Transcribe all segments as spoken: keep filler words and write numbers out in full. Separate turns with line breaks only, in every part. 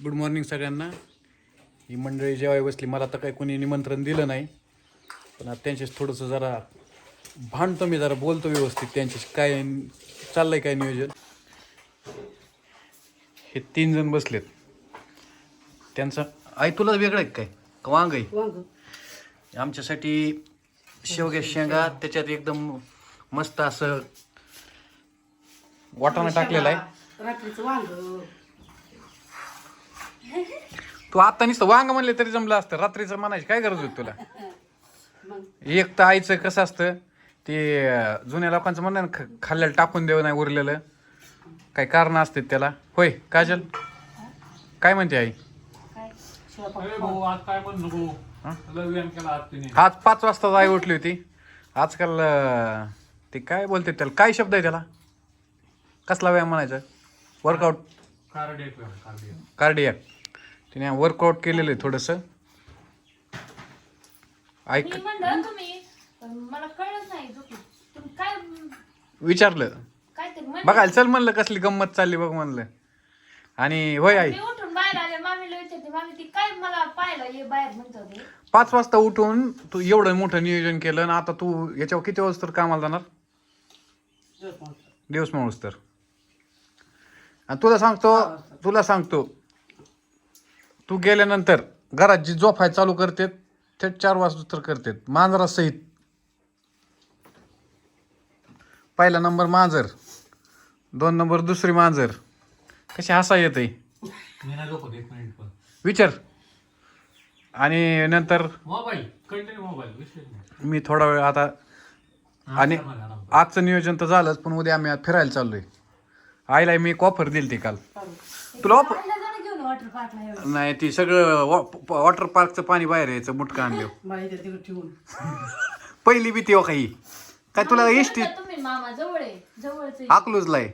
Good morning सगळ्यांना. ही मंडळी जेवाय बसली. मला तर काही कोणी निमंत्रण दिलं नाही, पण आता त्यांच्याशी थोडंसं जरा भांडतो मी, जरा बोलतो व्यवस्थित त्यांच्याशी. काय चाललंय काय नियोजन. हे तीन जण बसलेत. त्यांचं आई तुला वेगळं आहे काय का वांग आहे? आमच्यासाठी शेवग्या शेंगा, त्याच्यात एकदम मस्त असं वाटाणा टाकलेला आहे.
रात्रीचं वांग.
तू आता नुसतं वांग म्हणले तरी जमलं असतं, रात्रीचं म्हणायची काय गरज होती तुला? एक तर आईचं कसं असतं ते जुन्या लोकांचं म्हणणं ना, खाल्ल्याला टाकून देऊ नाही उरलेलं, काही कारण असते त्याला. होय काजल, काय म्हणते आई? आज पाच वाजता आई उठली होती. आजकाल ते काय बोलते त्याला, काय शब्द आहे त्याला, कसला व्यायाम म्हणायचा? Workout, cardiac. तिने वर्कआउट केलेलं आहे थोडंसं. ऐक
मला कळलं नाही तुम्ही काय
विचारलं बघायला चल म्हणलं, कसली गंमत चालली बघ म्हणलं. आणि होय आई,
उठून बाहेर आले, मामीला विचारते, मामी ती काय मला पाहिलं ये बाहेर म्हणतो ते.
पाच वाजता उठून तू एवढं मोठं नियोजन केलं आणि आता तू याच्यावर किती वाजता तर कामाला जाणार? दिवस माणूस तर. आणि तुला सांगतो तुला सांगतो तू गेल्यानंतर घरात जी झोपाय चालू करते थेट चार वाजता तर करते, मांजरा सहित. पहिला नंबर मांजर, दोन नंबर दुसरी मांजर. कशी हसा येते विचार. आणि नंतर
मोबाईल कंटिन्यू मोबाईल
मी थोडा वेळ आता. आणि आजचं नियोजन तर झालंच, पण उद्या आम्ही आज फिरायला चाललोय. आईला मी एक ऑफर दिली ती काल. तुला ऑफर
वॉटर पार्कला
नाही, ती सगळं वॉटर पार्कचं पाणी बाहेर यायचं मुटका आणलं. पहिली भीती हो काही काय तुला एसटी
तुम्ही मामा जवळ आहे, जवळच
अकलूजला आहे.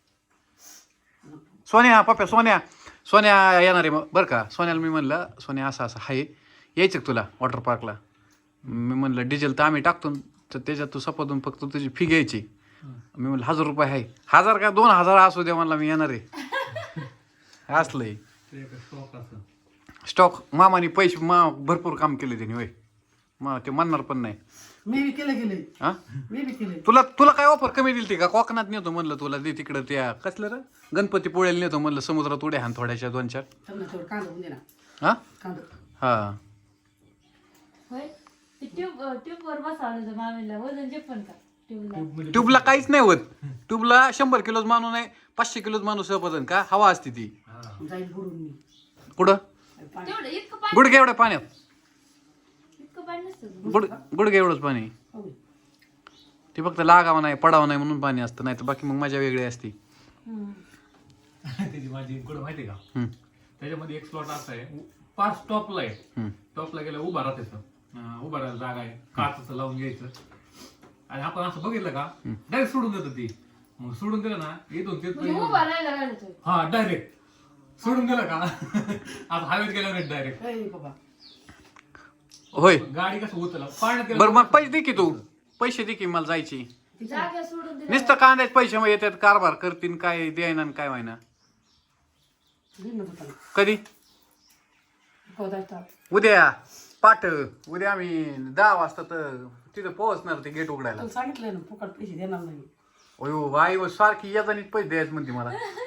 सोन्या पप्प्या सोन्या सोन्या येणार आहे मग बरं का. सोन्याला मी म्हणलं, सोन्या असं असं आहे, यायचं का तुला वॉटर पार्कला? मी म्हणलं डिझेल तर आम्ही टाकतो, तर त्याच्यात तू सपादून फक्त तुझी फी घ्यायची. मी म्हणलं हजार रुपये आहे. हजार का दोन हजार असू दे म्हणला, मी येणार आहे. असलंय स्टॉक. मामाने पैसे मा भरपूर काम केले त्यांनी. होय मग ते म्हणणार पण नाही.
मी बी केलं गेले.
हा
मी बी केले.
तुला तुला काय ऑफर कमी दिली ती का? कोकणात नेतो म्हणलं तुला, दे तिकडं त्या कसलं र गणपती पोळ्याला नेतो म्हणलं, समुद्रात उड्या हान थोड्याशा दोन चार.
त्यांना थोडं कांदा होऊन दे ना.
हा
कांदा.
हा
होय. ते ट्यूब ट्यूब वर बसवलं मामीला, वजन झेपण का ट्यूबला?
ट्यूबला काहीच नाही होत. ट्यूबला शंभर किलोच माणूस नाही, पाचशे किलोच माणूस पदन का हवा असते ती.
जाईल बुडून मी.
कुठं
तेवढं इतकं पाणी,
गुडघे एवढ्या पाण्यात,
इतकं पाणी नसतं.
गुड गुडघे एवढंच पाणी.
होय.
ते फक्त लागावं नाही पडावं नाही म्हणून पाणी असतं, नाही तर बाकी मग मजा वेगळी असते.
त्याची माझी कुठं माहिती का,
हम्म,
त्याच्यामध्ये एक स्लॉट असा आहे, पाच टॉपला आहे.
हम्म.
टॉपला गेलं उभा राहते, उभा राहायला जागा आहे, काचचं लावून घ्यायचं. आणि आपण असं बघितलं का डायरेक्ट सोडून देतो ती. मग सोडून दिलं ना इथून
म्हणजे
तिथपर्यंत.
उभा राहायला घालतोय.
हा डायरेक्ट सोडून दिलं का आता हवेत गेल्यावर डायरेक्ट.
ए बाबा.
होय.
गाडी कसं उतरला पाण्यात गेलं.
बरं मग पैसे दे की, तू पैसे दे की मला जायची.
जागा सोडून दिला.
नुसतं कांद्याचे पैसे मग येतात, कारभार करतीन काय द्यायना आणि काय व्हायना.
घेऊन होता.
कधी?
हो जायचं.
उद्या पाठ. उद्या आम्ही दहा वाजता तर तिथं पोहोचणार ते गेट उघडायला.
तुला सांगितलं ना फुकट पैसे देणार नाही.
अयो आई व सारखी येतानीच पैसे द्यायचे म्हणते मला.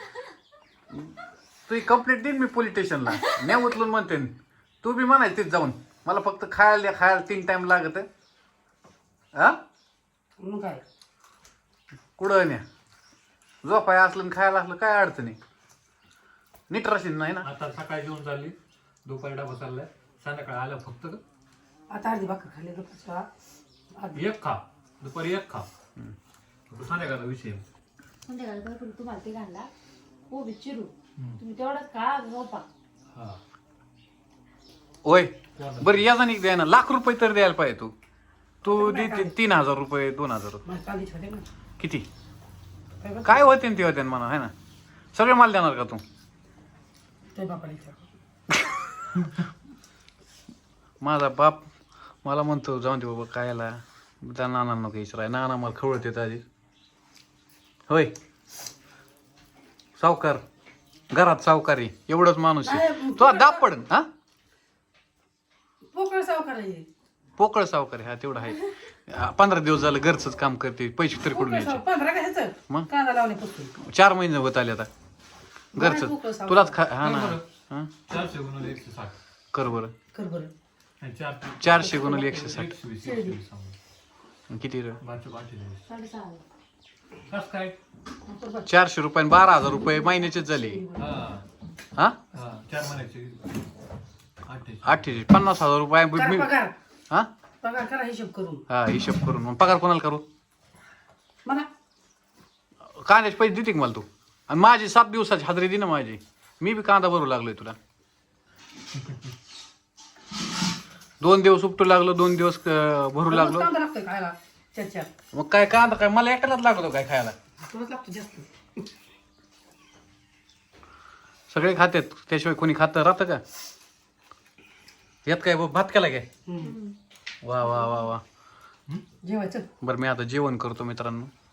तू कंप्लेंट देईन मी पोलीस स्टेशनला, नाही उचलून म्हणते. तू बी म्हणायचं तिथे जाऊन, मला फक्त खायला द्या, खायला तीन टाइम लागत. हा
मग काय
कुठं न्या, झोपाय असलं आणि खायला असलं काय अडचण आहे. नीट राशील नाही ना.
आता सकाळी जेवण चालली, दुपारी डबा चाललाय, संध्याकाळी आलं फक्त
आता अर्धी भाकर खाल्ली तर
एक खा, दुपारी एक खा, संध्याकाळचा विषय.
संध्याकाळी भरपूर तुम्हाला ते घालला कोबी चिरू, तुम्ही तेवढाच खा, झोपा.
हा
होय बरं या जाणी द्याय ना, लाख रुपये तर द्यायला पाहिजे. तू तू दे तीन हजार रुपये दोन हजार रुपये
कांदे छोटे ना.
किती काय होते ते होते म्हणा, आहे ना. सगळे माल देणार का तू?
ते बापाला विचार.
माझा बाप मला म्हणतो जाऊन दे बाबा कायला, त्या नाना नको विचाराय, नाना मला खवळत येत आधी. होय सावकार घरात सावकारी एवढंच माणूस आहे
नाही,
तुला दाब पडन हा
पोकळ सावकार आहे
पोकळ सावकारी हा तेवढं आहे आ, पंधरा दिवस झालं घरचंच काम करते पैसे तरी कुठून
पोकळ
यायचे
साव- पंधरा का ह्याचं
मग?
कांदा लावण्यापासून
चार महिने होत आले आता
पोकळ
घरचं
सावकार.
तुलाच खा हा ना
बरं.
हा
चारशे गुणवले एकशे साठ
कर बरं
कर बरं
आणि चार
चारशे गुणवले एकशे साठ
एकशे वीस एकशे वीस सांगू.
किती रे
बारशे पंचेचाळीस
साडेसहा
कसं काय
चारशे रुपये आणि बारा हजार रुपये महिन्याचेच झाले
हा
हा
हा चार महिन्याचे अठ्ठेचाळीस
अठ्ठेचाळीस पन्नास हजार रुपये
करा
मी-
पगार
हा
पगार करा हिशोब करून
हा हिशोब करून मग पगार कोणाला करू
म्हणा
कांद्याचे पैसे देते का मला तू आणि माझी सात दिवसाची हाजरी दे ना माझी मी बी कांदा भरू लागलोय तुला दोन दिवस उपटू लागलो दोन दिवस अं, भरू
रोज
लागलो
कांदा लागतोय खायला चार चार
मग काय कांदा काय मला एकट्यालाच लागतो काय खायला
तुलाच लागतो जास्त
सगळे खातात त्याशिवाय कोणी खातं राहतं का यात काय भात केला काय
हम्म.
वा वा वा वा
जेवायचं
बरं मी आता जेवण करतो मित्रांनो